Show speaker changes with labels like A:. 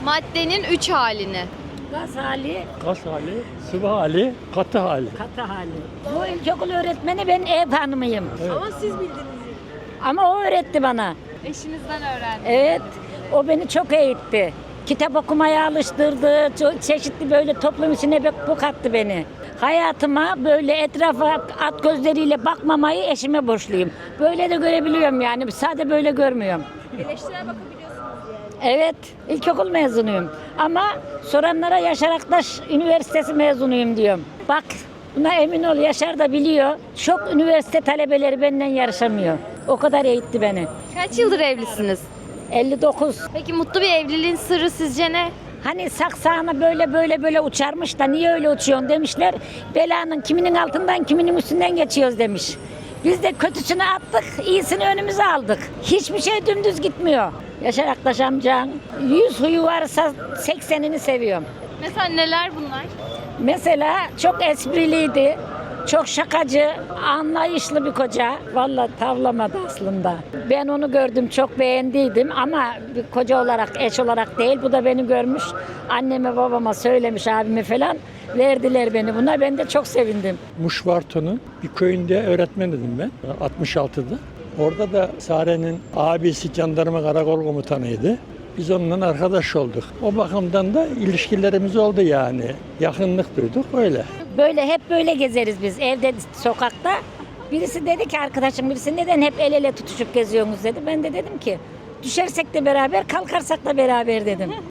A: Maddenin 3 halini.
B: Gaz hali,
C: Gaz hali, sıvı hali, katı hali.
B: katı hali. Bu ilkokul öğretmeni, ben ev hanımıyım.
A: Ama siz bildiniz.
B: Ama o öğretti bana.
A: Eşinizden öğrendiniz.
B: Evet, o beni çok eğitti. Kitap okumaya alıştırdı, çeşitli böyle toplum içine bu kattı beni. Hayatıma böyle etrafa at gözleriyle bakmamayı eşime borçluyum. Böyle de görebiliyorum yani, sade böyle görmüyorum.
A: Eleştirel bakabiliyorsunuz yani.
B: Evet, ilkokul mezunuyum. Ama soranlara Yaşar Aktaş Üniversitesi mezunuyum diyorum. Bak, buna emin ol, Yaşar da biliyor. Çok üniversite talebeleri benden yarışamıyor. O kadar eğitti beni.
A: Kaç yıldır evlisiniz?
B: 59.
A: Peki mutlu bir evliliğin sırrı sizce ne?
B: Hani saksağına böyle uçarmış da niye öyle uçuyorsun demişler. Belanın kiminin altından kiminin üstünden geçiyoruz demiş. Biz de kötüsünü attık, iyisini önümüze aldık. Hiçbir şey dümdüz gitmiyor. Yaşar Aktaş amcan 100 huyu varsa 80'ini seviyorum.
A: Mesela neler bunlar?
B: Mesela çok espriliydi. Çok şakacı, anlayışlı bir koca. Vallahi tavlamadı aslında. Ben onu gördüm, çok beğendiydim ama bir koca olarak, eş olarak değil. Bu da beni görmüş. Anneme, babama söylemiş, abime falan. Verdiler beni buna. Ben de çok sevindim.
C: Muşvarto'nun bir köyünde öğretmendim ben 66'da. Orada da Sare'nin abisi jandarma karakol komutanıydı. Biz onunla arkadaş olduk. O bakımdan da ilişkilerimiz oldu yani. Yakınlık duyduk öyle.
B: Böyle hep böyle gezeriz biz evde, sokakta. Birisi dedi ki, arkadaşım birisi, neden hep el ele tutuşup geziyorsunuz dedi. Ben de dedim ki, düşersek de beraber, kalkarsak da beraber dedim.